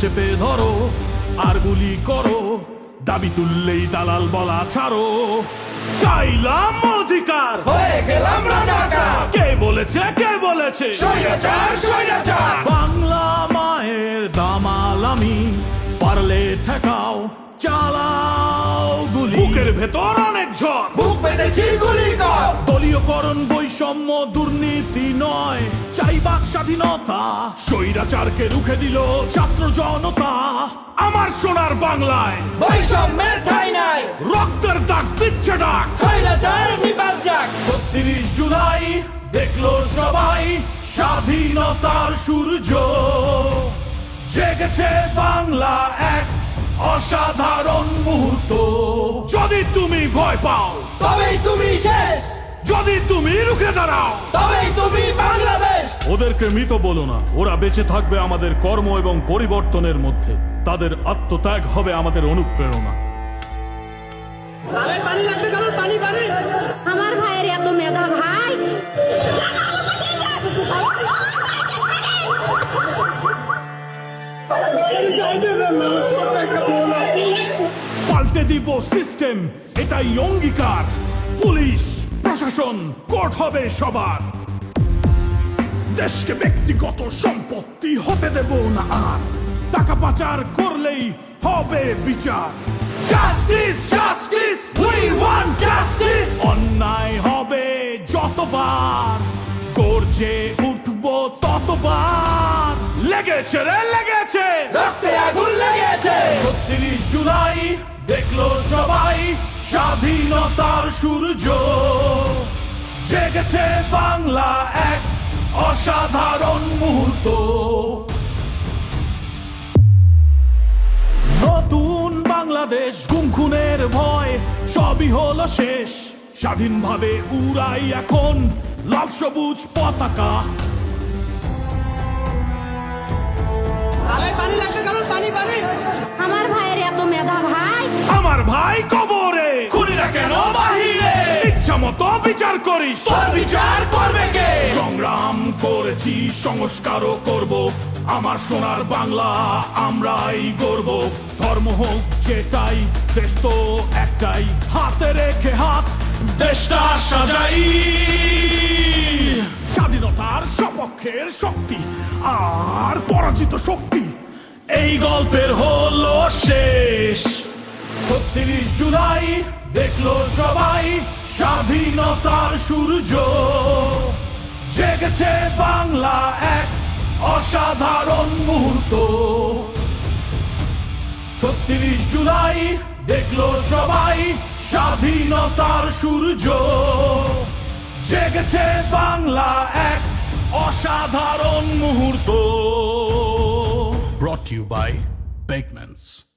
চেপে ধরো আর গুলি করো, দাবি তুললেই দালাল বলা ছাড়ো। চাইলাম অধিকার, হয়ে গেলাম রাজাকার। কে বলেছে কে বলেছে স্বৈরাচার স্বৈরাচার। বাংলা মায়ের দামাল আমি, পারলে ঠেকাও চালাও গুলি। বুকের ভেতর অনেক ঝড়, বুক পেতেছি গুলি কর। দলীয়করণ বৈষম্য দুর্নীতি নয়, চাই বাক স্বাধীনতা। স্বৈরাচারকে রুখে দিল ছাত্র জনতা। আমার সোনার বাংলায় বৈষম্যের ঠাঁই নাই, রক্তের দাগ দিচ্ছে ডাক। স্বৈরাচার নিপাত যাক। ৩৬ জুলাই দেখলো সবাই স্বাধীনতার সূর্য, জেগেছে বাংলা এক অসাধারণ মুহূর্ত। যদি তুমি ভয় পাও, তবেই তুমি শেষ, যদি তুমি রুখে দাঁড়াও, তবেই তুমি বাংলাদেশ। ওদেরকে মৃত বলো না, ওরা বেঁচে থাকবে আমাদের কর্ম এবং পরিবর্তনের মধ্যে। তাদের আত্মত্যাগ হবে আমাদের অনুপ্রেরণা। আমার ভাইয়ের এত মেধা ভাই। পাল্টে দিব সিস্টেম, এটাই অঙ্গীকার। পুলিশ প্রশাসন কোর্ট হবে সবার। দেশকে ব্যক্তিগত সম্পত্তি হতে দেব না আর, টাকা পাচার করলেই হবে বিচার। Justice justice we want justice. অন্যায় হবে যতবার, গর্জে উঠবো ততবার। লেগেছে রে লেগেছে, রক্তে আগুন লেগেছে। ৩৬ জুলাই দেখলো সবাই স্বাধীনতার সূর্য, জেগেছে বাংলা এক অসাধারণ মুহূর্ত। নতুন বাংলাদেশ, গুম খুনের ভয় সবই হলো শেষ। স্বাধীনভাবে উড়াই এখন লাল সবুজ পতাকা। আমার ভাইয়ের এত মেধা ভাই। আমার ভাই কবরে, খুনিরা কেন বাহিরে? ইচ্ছা মতো বিচার করিস, তোর বিচার করবে কে? সংগ্রাম করেছি সংস্কারও করব। আমার সোনার বাংলা আমরাই গর্ব। ধর্ম হোক যেটাই, দেশ তো একটাই। হাতে রেখে হাত দেশটা সাজাই। স্বাধীনতার সপক্ষের শক্তি আর পরাজিত শক্তি, এই গল্পের হলো শেষ। ৩৬ জুলাই দেখলো সবাই স্বাধীনতার সূর্য, জেগেছে বাংলা এক অসাধারণ মুহূর্ত। ৩৬ জুলাই দেখলো সবাই স্বাধীনতার সূর্য, জেগেছে বাংলা এক অসাধারণ মুহূর্ত। Brought to you by Bakemans.